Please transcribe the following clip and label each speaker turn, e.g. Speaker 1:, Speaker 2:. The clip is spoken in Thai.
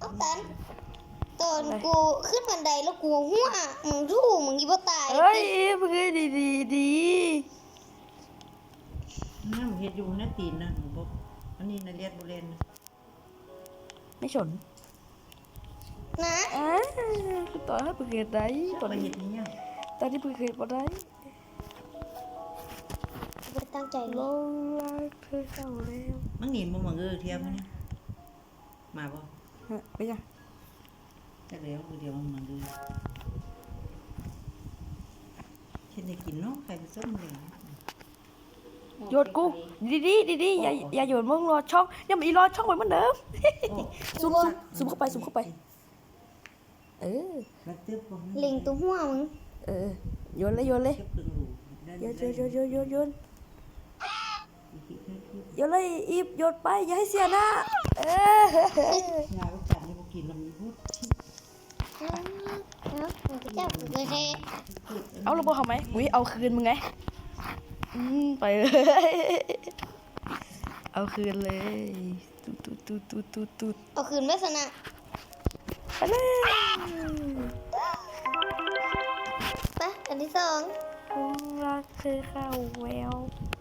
Speaker 1: เอาตันตอนกูขึ้นบันไดแล้วกูหัวมึงรู้มึงยี่บ่ตาย
Speaker 2: เฮ้ยมึงเอ้ยดี
Speaker 3: น้ำเฮ็ดอยู่นะตีนนะบ่อันนี้น่ะเลียดบ่เล่นนะ
Speaker 2: ไม่ฉน
Speaker 1: นะ
Speaker 2: กูต่อให้มึงเห็นได้
Speaker 3: บ่เฮ็ดนี่ยัง
Speaker 2: ตอนนี้มึงเห็นบ่ได้
Speaker 1: ไม่ได้ตั้งใจ
Speaker 2: ล
Speaker 1: เลย
Speaker 2: งรักเธอเข้าแล้ว
Speaker 3: มึงหนีบ่มาเทียมเนี่ยมาบ่
Speaker 2: ไปยัง
Speaker 3: จักแล้วมือเดียวมึงมาเฮ็ดได้กินเนาะไข่ผสมเลย
Speaker 2: โยนกูดีอย่าโยนมึงรอช่องยังมีรอช่องไว้เหมือนเดิมซูมเข้าไปเออ
Speaker 3: แล้วตึ๊บบ่
Speaker 1: เล็งตัวหัวมึง
Speaker 2: โยนเลย
Speaker 3: เก็บตึงหู
Speaker 2: โยนเลยอีบโยนไปอย่าให้เสียหน้าย
Speaker 3: าลูกจันนี่บ่กินแล้วมันพูด
Speaker 1: มึงก็จับกูเลยแท้
Speaker 2: เอาระบบเขาไหมอุ้ยเอาคืนมึงไงไปเลยเอาคืนเลยตูด
Speaker 1: เอาคืนไม่สนะ
Speaker 2: ไปเลย
Speaker 1: ไปอันที่สอง
Speaker 2: รักเธอเข้าแวว